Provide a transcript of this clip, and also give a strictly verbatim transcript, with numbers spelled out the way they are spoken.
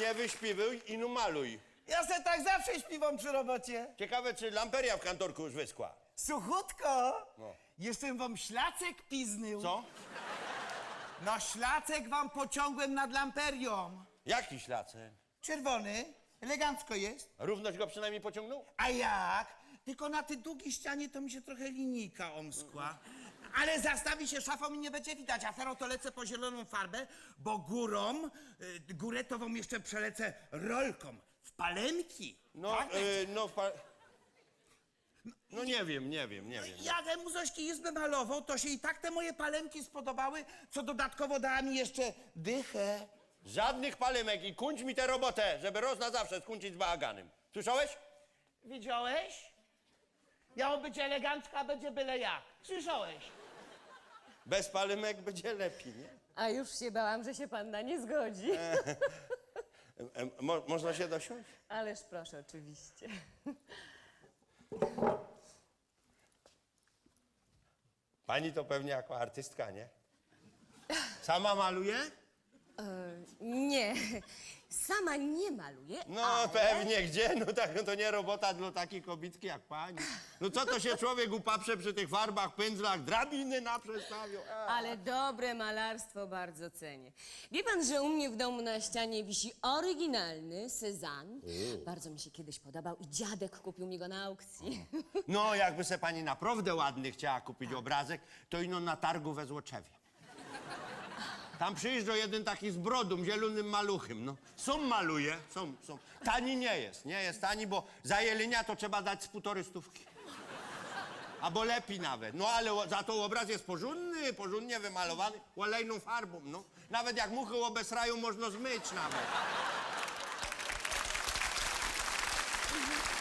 nie wyśpiwuj i no maluj. Ja se tak zawsze śpiewam przy robocie. Ciekawe, czy lamperia w kantorku już wyschła. Suchutko, No. jeszcze wam ślacek piznył. Co? No ślacek wam pociągłem nad lamperią. Jaki ślacek? Czerwony, elegancko jest. Równość go przynajmniej pociągnął? A jak? Tylko na tej długiej ścianie to mi się trochę linijka omskła. Ale zastawi się szafą i nie będzie widać, a teraz to lecę po zieloną farbę, bo górą, y, górę to wam jeszcze przelecę rolką w palemki. No, Tak? y, no, pa... no nie wiem, nie wiem, nie wiem. Jak mu Zośki izbę malował, to się i tak te moje palemki spodobały, co dodatkowo dała mi jeszcze dychę. Żadnych palemek i kończ mi tę robotę, żeby roz na zawsze skończyć z bałaganem. Słyszałeś? Widziałeś? Miało być elegancko, a będzie byle jak. Słyszałeś? Bez palemek będzie lepiej, nie? A już się bałam, że się pan na nie zgodzi. E, e, mo, można się dosiąść? Ależ proszę, oczywiście. Pani to pewnie jako artystka, nie? Sama maluje? Nie, sama nie maluję, No ale... pewnie, gdzie? No tak, no to nie robota dla takiej kobitki jak pani. No co to się człowiek upaprze przy tych farbach, pędzlach, drabiny naprzestawią? A. Ale dobre malarstwo bardzo cenię. Wie pan, że u mnie w domu na ścianie wisi oryginalny Cézanne. Bardzo mi się kiedyś podobał i dziadek kupił mi go na aukcji. No jakby se pani naprawdę ładny chciała kupić obrazek, to ino na targu we Złoczewie. Tam przyjeżdża jeden taki z brodą, zielonym maluchem, no. Są maluje, są, są. Tani nie jest, nie jest tani, bo za jelenia to trzeba dać z półtory stówki. Albo lepiej nawet. No ale o- za to obraz jest porządny, porządnie wymalowany, olejną farbą, no. Nawet jak muchy obesrają, można zmyć nawet.